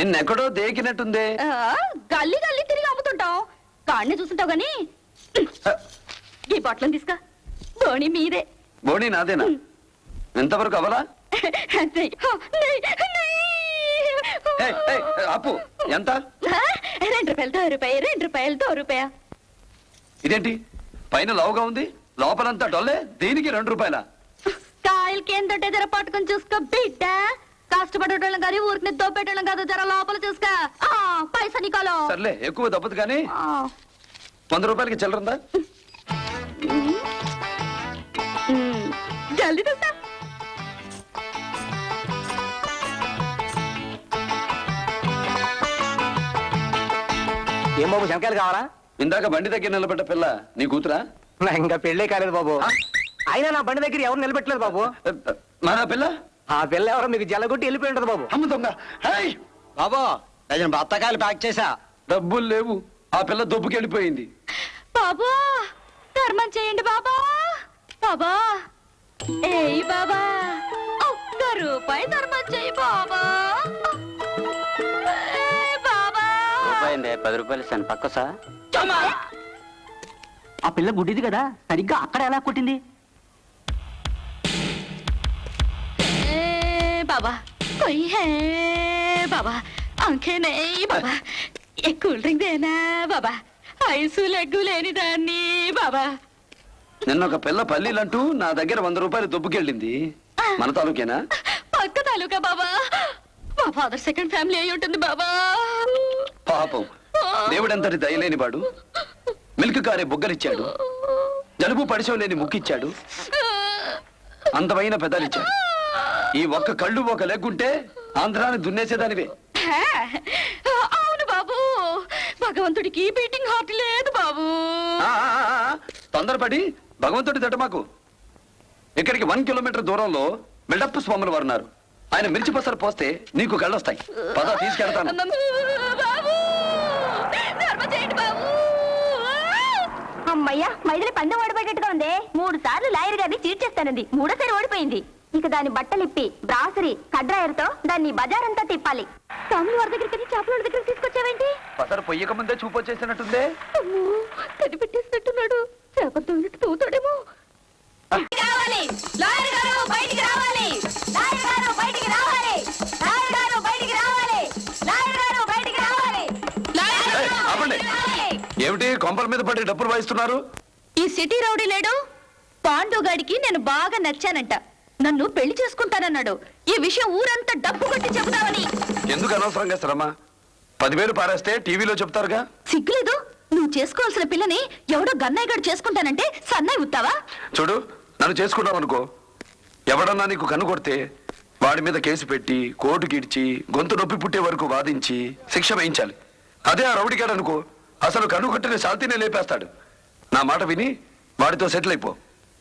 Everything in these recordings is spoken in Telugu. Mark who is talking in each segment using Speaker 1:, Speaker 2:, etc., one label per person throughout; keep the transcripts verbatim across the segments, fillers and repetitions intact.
Speaker 1: నిన్నెక్కడో దేకినట్టుందే.
Speaker 2: గల్లీ గల్లీ తిరిగి అమ్ముతుంటాం, కాడిని చూస్తుంటావు గాని ఈ బట్టలను తీసుకా. బోణి మీదే.
Speaker 1: బోణి నాదేనా? ఎంతవరకు అవలా? అప్పు ఎంత?
Speaker 2: రెండు రూపాయలతో రూపాయి, రెండు రూపాయలతో రూపాయ.
Speaker 1: ఇదేంటి పైన లావుగా ఉంది, లోపలంతా డొల్లే, దీనికి రెండు రూపాయల?
Speaker 2: కాయలకి ఏంటంటే జర పట్టుకొని చూసుకో బిడ్డ. కష్టపడేటోళ్ళం కానీ ఊరికి దోపెట్టడం కాదు, జర లోపల చూసుకో. పైసా నీకోలో.
Speaker 1: సర్లే, ఎక్కువ దప్పదు కానీ వంద రూపాయలకి చిల్లరుందా?
Speaker 2: జల్దీ చూస్తా.
Speaker 3: ఏం బాబు, శంకాయలు కావాలా?
Speaker 1: ఇందాక బండి దగ్గర నిలబడ్డ పిల్ల నీ కూతురా?
Speaker 3: ఇంకా పెళ్ళే కాలేదు బాబు. అయినా నా బండి దగ్గర ఎవరు నిలబెట్టలేదు బాబు.
Speaker 1: మన పిల్ల?
Speaker 3: ఆ పిల్ల ఎవరో మీకు జల్లగొట్టి వెళ్ళిపోయి ఉంటది బాబు.
Speaker 1: అమ్మ దొంగ.
Speaker 3: బాబు డజన్ బత్తకాయలు ప్యాక్ చేసా.
Speaker 1: డబ్బులు లేవు, ఆ పిల్ల దొబ్బుకెళ్ళిపోయింది.
Speaker 2: బాబా ధర్మం చేయండి బాబా. బాబా ఏయ్ బాబా, ఒక్క రూపాయి ధర్మం చేయి బాబా.
Speaker 3: పది రూపాయలు ఇస్తాను పక్క సార్. ఆ పిల్ల గుడ్డిది కదా, సరిగ్గా అక్కడ ఎలా కొట్టింది?
Speaker 2: బాబా కొయ్యి హే బాబా, అంకే నెయ్యి బాబా, ఏ కూల్ డ్రింక్ దేనా బాబా, ఐసు లెగ్గు లేని దాన్ని బాబా.
Speaker 1: నిన్న ఒక పిల్ల పల్లీలంటూ నా దగ్గర వంద రూపాయలు దొబ్బుకెళ్ళింది. మన తాలూకేనా?
Speaker 2: పక్క తాలూకా బాబా. మా ఫాదర్ సెకండ్ ఫ్యామిలీ అయి ఉంటుంది బాబా.
Speaker 1: పాపం, దేవుడంతటి దయలేని వాడు మిల్క్ కారే బొగ్గలిచ్చాడు, జలుబు పడిశం లేని ముక్కిచ్చాడు, అందమైన పెదాలిచ్చాడు. ఈ ఒక్క కళ్ళు ఒక లెగ్గుంటే ఆంధ్రాన్ని దున్నేసేదానివే.
Speaker 2: అవును బాబు, భగవంతుడికి బీటింగ్ హార్ట్ లేదు బాబు.
Speaker 1: తొందరపడి భగవంతుడి దట మాకు. ఇక్కడికి వన్ కిలోమీటర్ దూరంలో మిల్డప్ స్వాములు వారు ఉన్నారు. ఆయన మిర్చి పసరు పోస్తే నీకు కళ్ళొస్తాయి. పద తీసుకెళ్తాను.
Speaker 2: అమ్మయ్యా, మైదిలి పందెం ఓడిపోయేట్టుగా ఉంది. మూడు సార్లు లాయర్ గారిని చీట్ చేస్తానంది, మూడోసారి ఓడిపోయింది. ఇక దాని బట్టలిప్పి బ్రాసరీ కడ్రాయర్తో దాన్ని బజారంతా తిప్పాలి. స్వామి వారి దగ్గరికి చేపల దగ్గరికి తీసుకొచ్చావేంటి?
Speaker 1: పసరు పొయ్యక ముందే చూపు వచ్చేసినట్టుందే.
Speaker 2: కది పెట్టేసినట్టున్నాడు, చేపలతో తోతాడేమో.
Speaker 1: ఏమిటి కొంపల మీద పడి డబ్బులు వాయిస్తున్నారు?
Speaker 2: ఈ సిటీ రౌడీ లేడు పాండుగాడికి నేను బాగా నచ్చానంట, నన్ను పెళ్లి చేసుకుంటానన్నాడు. ఈ విషయం ఊరంతా డబ్బు కొట్టి చెబుతావని.
Speaker 1: ఎందుకు అనవసరంగా శ్రమ? పదివేలు పారేస్తే టీవీలో చెప్తారుగా.
Speaker 2: సిగ్గులేదు? నువ్వు చేసుకోవాల్సిన పిల్లని ఎవడో గన్నయ్య గడు చేసుకుంటానంటే సన్నాయి ఉత్తావా?
Speaker 1: చూడు, నన్ను చేసుకున్నావు అనుకో, ఎవడన్నా నీకు కన్ను కొడితే వాడి మీద కేసు పెట్టి కోర్టుకి ఇడ్చి గొంతు నొప్పి పుట్టే వరకు వాదించి శిక్ష వేయించాలి. అదే ఆ రౌడీగాడు అనుకో, అసలు కన్ను కొట్టిన శాంతినే లేపేస్తాడు. నా మాట విని వాడితో సెటిల్ అయిపో.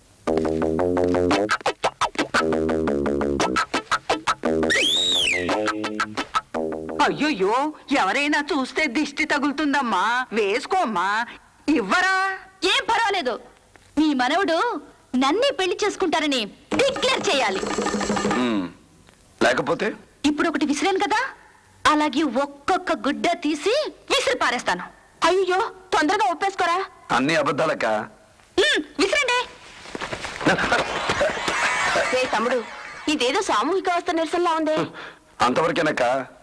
Speaker 4: అయ్యో, ఎవరైనా చూస్తే దిష్టి తగులుతుందమ్మా, వేసుకోమ్మా. ఇవ్వరా?
Speaker 2: ఏం పర్వాలేదు, మీ మనవడు నన్నే పెళ్లి చేసుకుంటారని డిక్లేర్ చేయాలి.
Speaker 1: లేకపోతే
Speaker 2: ఇప్పుడు ఒకటి విసిరాను కదా, అలాగే ఒక్కొక్క గుడ్డ తీసి విసిరి పారేస్తాను. అయ్యో, తొందరగా ఒప్పేసుకోరా.
Speaker 1: అన్ని అబద్ధాలక్క.
Speaker 2: విసిరండి.
Speaker 4: తమ్ముడు, ఇదేదో సామూహిక అవస్థ నిరసనలా ఉంది.
Speaker 1: అంతవరకేనక్క.